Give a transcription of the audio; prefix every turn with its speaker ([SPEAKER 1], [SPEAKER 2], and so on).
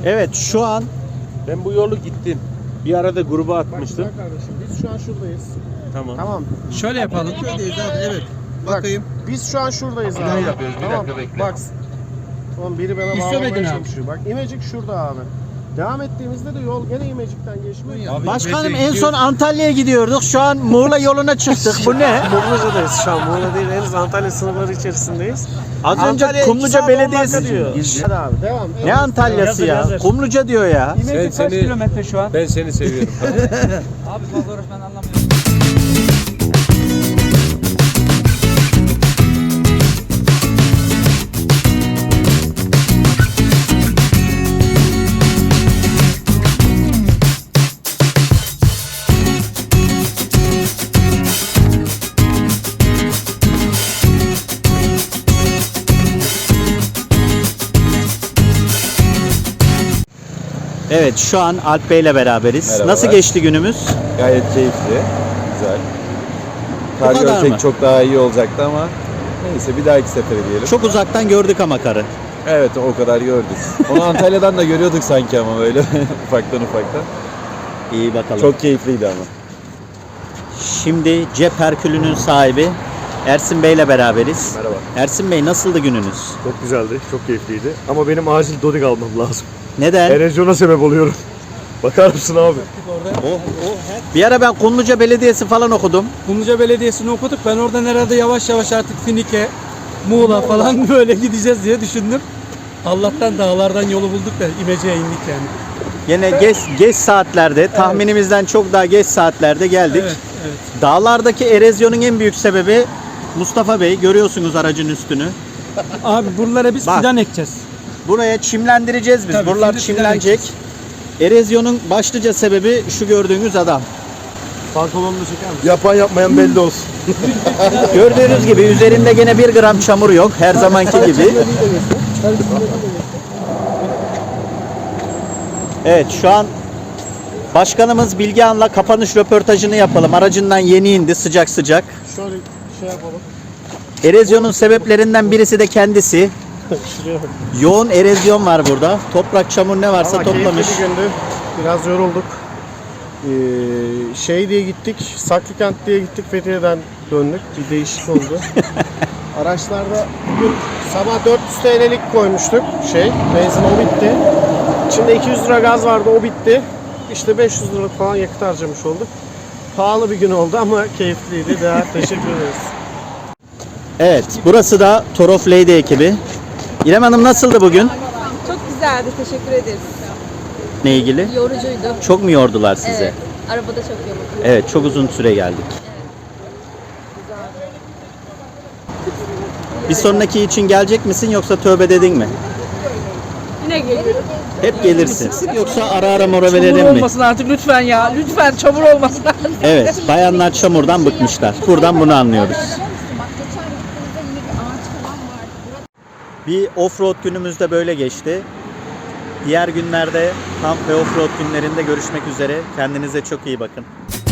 [SPEAKER 1] Evet, şu an
[SPEAKER 2] Ben bu yolu gittim. Bir arada gruba atmıştım.
[SPEAKER 3] Bak kardeşim, biz şu an şuradayız.
[SPEAKER 2] Tamam.
[SPEAKER 3] Tamam.
[SPEAKER 4] Şöyle yapalım.
[SPEAKER 3] Köydeyiz abi, evet. Bakayım. Biz şu an şuradayız abi.
[SPEAKER 2] Ne yapıyoruz? Bir
[SPEAKER 3] Tamam.
[SPEAKER 2] dakika bekle.
[SPEAKER 3] Bak. Oğlum biri bana
[SPEAKER 4] İstemedin
[SPEAKER 3] bağlamaya
[SPEAKER 4] abi.
[SPEAKER 3] çalışıyor. Bak İmecik şurada abi. Devam ettiğimizde de yol gene İmecik'ten geçmiyor.
[SPEAKER 2] Abi,
[SPEAKER 1] başkanım en son Antalya'ya gidiyorduk. Şu an Muğla yoluna çıktık. Bu ne?
[SPEAKER 5] Kumluca'dayız şu an. Muğla değil, henüz Antalya sınırları içerisindeyiz.
[SPEAKER 1] Az önce
[SPEAKER 5] Antalya
[SPEAKER 1] Kumluca
[SPEAKER 5] 2 saat 10
[SPEAKER 1] Belediyesi
[SPEAKER 5] dakika
[SPEAKER 1] diyor.
[SPEAKER 3] Hadi abi devam.
[SPEAKER 1] Ne Antalya'sı ya? Kumluca diyor ya.
[SPEAKER 4] İmece kaç kilometre şu an?
[SPEAKER 2] Ben seni seviyorum.
[SPEAKER 4] Abi fazla uğraş, ben anlamıyorum.
[SPEAKER 1] Evet, şu an Alp Bey ile beraberiz.
[SPEAKER 6] Merhabalar.
[SPEAKER 1] Nasıl geçti günümüz?
[SPEAKER 6] Gayet keyifli, güzel.
[SPEAKER 1] Bu
[SPEAKER 6] Kar
[SPEAKER 1] kadar mı?
[SPEAKER 6] görsek çok daha iyi olacaktı ama neyse bir dahaki sefere diyelim.
[SPEAKER 1] Çok uzaktan gördük ama karı.
[SPEAKER 6] Evet o kadar gördük. Onu Antalya'dan da görüyorduk sanki ama böyle ufaktan.
[SPEAKER 1] İyi bakalım.
[SPEAKER 6] Çok keyifliydi ama.
[SPEAKER 1] Şimdi Cep Herkülü'nün sahibi Ersin Bey ile beraberiz.
[SPEAKER 5] Merhaba.
[SPEAKER 1] Ersin Bey, nasıldı gününüz?
[SPEAKER 5] Çok güzeldi, çok keyifliydi. Ama benim acil Dodik almam lazım.
[SPEAKER 1] Neden?
[SPEAKER 5] Erozyona sebep oluyorum. Bakar mısın abi?
[SPEAKER 1] Bir ara ben Kumluca Belediyesi falan okudum.
[SPEAKER 4] Kumluca Belediyesi'ni okuduk. Ben oradan herhalde yavaş yavaş artık Finike, Muğla falan böyle gideceğiz diye düşündüm. Allah'tan dağlardan yolu bulduk da İmece'ye indik yani.
[SPEAKER 1] Yine geç saatlerde, tahminimizden çok daha geç saatlerde geldik.
[SPEAKER 4] Evet, evet.
[SPEAKER 1] Dağlardaki erozyonun en büyük sebebi Mustafa Bey, görüyorsunuz aracın üstünü.
[SPEAKER 4] Abi buralara biz
[SPEAKER 1] Bak.
[SPEAKER 4] fidan ekeceğiz.
[SPEAKER 1] Buraya çimlendireceğiz biz.
[SPEAKER 4] Tabii,
[SPEAKER 1] Buralar
[SPEAKER 4] şimdi fidan
[SPEAKER 1] çimlenecek. Erozyonun başlıca sebebi şu gördüğünüz adam.
[SPEAKER 5] Pantolonunu çeker misin? Yapan yapmayan belli olsun.
[SPEAKER 1] Gördüğünüz gibi üzerinde gene 1 gram çamur yok. Her zamanki gibi. Evet, şu an başkanımız Bilgehan'la kapanış röportajını yapalım. Aracından yeni indi sıcak sıcak.
[SPEAKER 3] Şöyle şey yapalım.
[SPEAKER 1] Erozyonun sebeplerinden birisi de kendisi.
[SPEAKER 3] Şuraya bak.
[SPEAKER 1] Yoğun erozyon var burada. Toprak, çamur ne varsa
[SPEAKER 3] Ama
[SPEAKER 1] toplamış.
[SPEAKER 3] keyifli bir gündü. Biraz yorulduk. Şey diye gittik, Saklıkent diye gittik, Fethiye'den döndük. Bir değişik oldu. Araçlarda bugün sabah 400 TL'lik koymuştuk. Benzin o bitti. İçinde 200 lira gaz vardı, o bitti. İşte 500 lira falan yakıt harcamış olduk. Pahalı bir gün oldu ama keyifliydi. Değer, teşekkür ederiz.
[SPEAKER 1] Evet, burası da Torof Lady ekibi. İrem Hanım, nasıldı bugün?
[SPEAKER 7] Çok güzeldi, teşekkür ederiz.
[SPEAKER 1] Ne ilgili?
[SPEAKER 7] Yorucuydu.
[SPEAKER 1] Çok mu yordular sizi?
[SPEAKER 7] Evet, arabada çok yorucu.
[SPEAKER 1] Evet, çok uzun süre geldik. Bir sonraki için gelecek misin yoksa tövbe dedin mi?
[SPEAKER 7] Yine geliyorum.
[SPEAKER 1] Hep gelirsin. Yoksa ara ara mola
[SPEAKER 8] Çamur
[SPEAKER 1] verelim mi?
[SPEAKER 8] olmasın artık lütfen ya. Lütfen çamur olmasın.
[SPEAKER 1] Evet, bayanlar çamurdan bıkmışlar. Buradan bunu anlıyoruz. Bir offroad günümüz de böyle geçti. Diğer günlerde kamp ve offroad günlerinde görüşmek üzere. Kendinize çok iyi bakın.